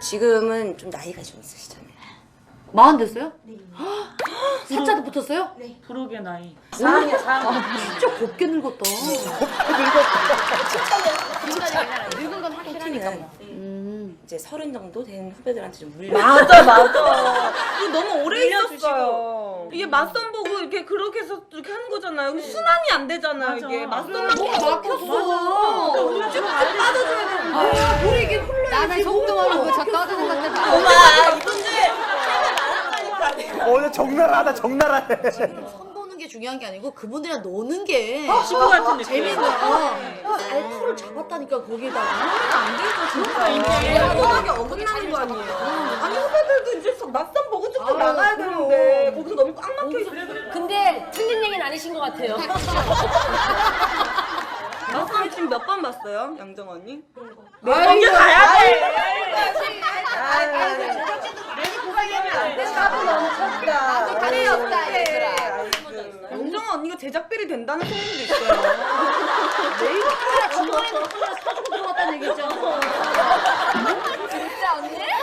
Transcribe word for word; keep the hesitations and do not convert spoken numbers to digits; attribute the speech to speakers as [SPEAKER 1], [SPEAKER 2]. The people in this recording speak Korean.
[SPEAKER 1] 지금은 좀 나이가 좀 있으시잖아요.
[SPEAKER 2] 마흔 됐어요? 네. 살짝도 붙었어요?
[SPEAKER 3] 네. 부록의 나이.
[SPEAKER 1] 사 학년 사 학년.
[SPEAKER 2] 진짜 곱게 늙었다.
[SPEAKER 1] 늙은 건 확실하니까.
[SPEAKER 2] 음.
[SPEAKER 1] 이제 서른 정도 된 후배들한테 좀 물려.
[SPEAKER 4] 맞아 맞아. 이거 너무 오래
[SPEAKER 1] 물려주시고.
[SPEAKER 4] 있었어요. 이게 맞선 보고 이렇게 그렇게 해서 이렇게 하는 거잖아요. 근데 순환이 안 되잖아요.
[SPEAKER 3] 맞아.
[SPEAKER 4] 이게 맞선
[SPEAKER 3] 그래,
[SPEAKER 4] 보고
[SPEAKER 2] 막혔어.
[SPEAKER 4] 우리가 쭉 빠져줘야 되는데.
[SPEAKER 2] 아, 우리 이게 흘러야지.
[SPEAKER 5] 나는 속도하는 거 저 떠드는 것들 봐.
[SPEAKER 4] 엄마 이분들
[SPEAKER 6] 어, 적나라하다, 적나라해.
[SPEAKER 2] 선 보는 게 중요한 게 아니고 그분들이랑 노는 게
[SPEAKER 3] 친구 같은 느낌.
[SPEAKER 2] 재밌는 거야. 알코올을 잡았다니까 거기다가.
[SPEAKER 4] 안 되죠 진짜. 이게 워낙에 어긋나는 거 아니에요. 아니 후배들도 이제 맞선 보고 쭉쭉
[SPEAKER 2] 아유,
[SPEAKER 4] 나가야
[SPEAKER 2] 그럼.
[SPEAKER 4] 되는데 거기서 너무 꽉 막혀 있어.
[SPEAKER 5] 근데 틀린 얘기는 아니신 것 같아요.
[SPEAKER 4] 맞선 지금 몇 번 봤어요, 양정 언니?
[SPEAKER 2] 먼저
[SPEAKER 4] 가야 돼.
[SPEAKER 5] 나도 다리 없다, 얘들아.
[SPEAKER 4] 영정아 언니가 제작비리 된다는 소문도 있어요.
[SPEAKER 2] 내일부터 중간에 몇 번이나 사주고 들어갔다는 얘기 있잖아.
[SPEAKER 5] 진짜 언니?